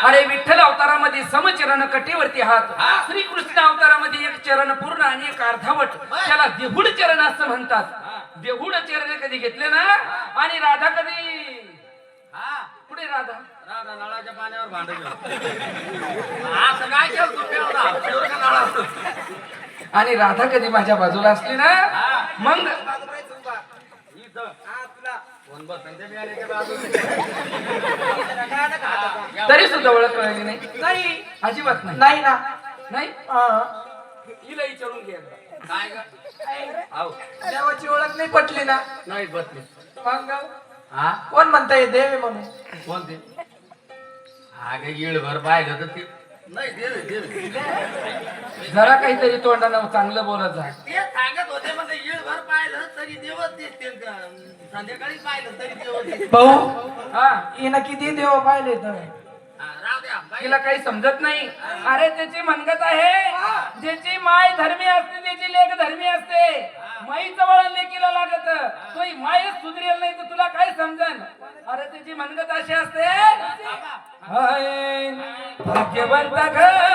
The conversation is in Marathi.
अरे विठ्ठल अवतारामध्ये समचरण कटेवरती हात, श्रीकृष्ण अवतारामध्ये एक चरण पूर्ण आणि एक अर्धावट, त्याला देहुड चरण असं म्हणतात. देहुड चरण कधी घेतले ना, आणि राधा कधी पुढे राधा नळाच्या पाण्यावर भांडत असं काय केलं. आणि राधा कधी माझ्या बाजूला असली ना, मग तरी सुद्धा ओळख कळली नाही. नाही अजिबात नाही. नाही ना. नाही हिला विचारून घे. काय ग देवाची ओळख नाही पटली ना. नाही बसले. मग हा कोण म्हणताय देव आहे म्हणून? कोणते हा काही येळभर पाहिलं तर ते नाही देव जरा काहीतरी तोंडानं चांगलं बोलत जा. ते सांगत होते म्हणजे येळभर पाहिलं तरी देवच दिसते, संध्याकाळी पाहिलं तरी देवच दिसते. भाऊ हा हिनं किती देव पाहिले तर राहू द्या बाई. तिला काही समजत नाही. अरे त्याची मनगत आहे, ज्याची माय धर्मी असते त्याची लेक धर्मी असते. माईचं वळण लेकीला लागत, तो मायच सुधरेल नाही तर तुला काय समजन. अरे त्याची मनगत अशी असते, हाय, भाग्यवंत घर